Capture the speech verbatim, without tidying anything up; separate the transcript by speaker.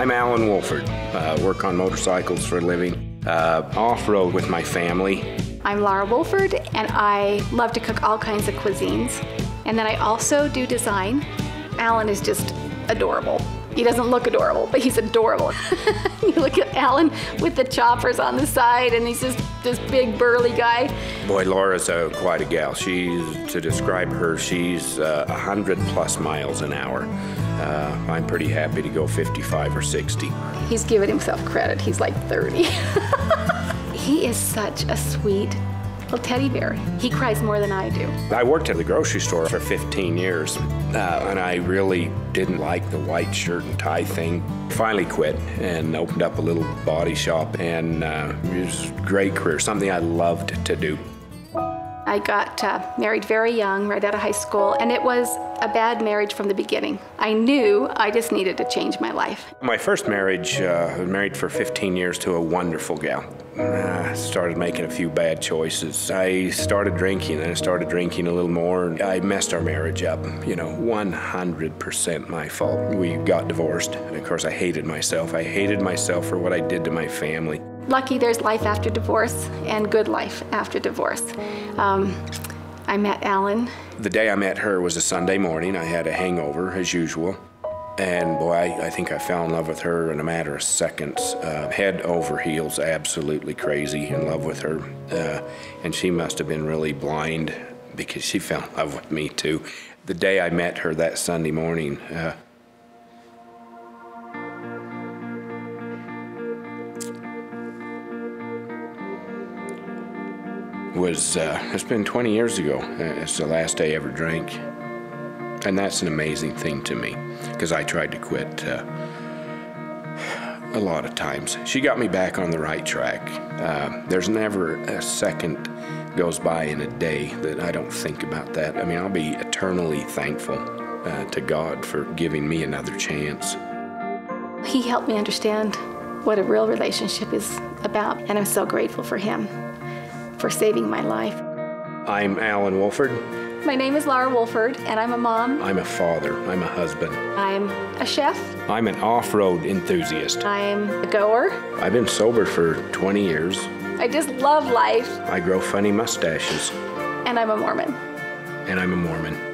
Speaker 1: I'm Alan Wolford. Uh, work on motorcycles for a living. Uh, off-road with my family.
Speaker 2: I'm Laura Wolford, and I love to cook all kinds of cuisines. And then I also do design. Alan is just adorable. He doesn't look adorable, but he's adorable. You look at Alan with the choppers on the side, and he's just this big burly guy.
Speaker 1: Boy, Laura's a, quite a gal. She's, to describe her, she's uh, one hundred plus miles an hour. Uh, I'm pretty happy to go fifty-five or sixty.
Speaker 2: He's giving himself credit. He's like thirty. He is such a sweet little teddy bear. He cries more than I do.
Speaker 1: I worked at the grocery store for fifteen years, uh, and I really didn't like the white shirt and tie thing. Finally quit and opened up a little body shop, and uh, it was a great career, something I loved to do.
Speaker 2: I got uh, married very young, right out of high school, and it was a bad marriage from the beginning. I knew I just needed to change my life.
Speaker 1: My first marriage, uh, I was married for fifteen years to a wonderful gal. I started making a few bad choices. I started drinking, and I started drinking a little more. I messed our marriage up, you know, one hundred percent my fault. We got divorced, and of course I hated myself. I hated myself for what I did to my family.
Speaker 2: Lucky there's life after divorce and good life after divorce. Um, I met Alan.
Speaker 1: The day I met her was a Sunday morning. I had a hangover, as usual. And boy, I, I think I fell in love with her in a matter of seconds. Uh, head over heels, absolutely crazy in love with her. Uh, and she must have been really blind because she fell in love with me too. The day I met her that Sunday morning, uh, was, uh, it's been twenty years ago. Uh, it's the last day I ever drank. And that's an amazing thing to me, because I tried to quit uh, a lot of times. She got me back on the right track. Uh, there's never a second goes by in a day that I don't think about that. I mean, I'll be eternally thankful uh, to God for giving me another chance.
Speaker 2: He helped me understand what a real relationship is about, and I'm so grateful for him for saving my life.
Speaker 1: I'm Alan Wolford.
Speaker 2: My name is Laura Wolford, and I'm a mom.
Speaker 1: I'm a father. I'm a husband.
Speaker 2: I'm a chef.
Speaker 1: I'm an off-road enthusiast.
Speaker 2: I'm a goer.
Speaker 1: I've been sober for twenty years.
Speaker 2: I just love life.
Speaker 1: I grow funny mustaches.
Speaker 2: And I'm a Mormon.
Speaker 1: And I'm a Mormon.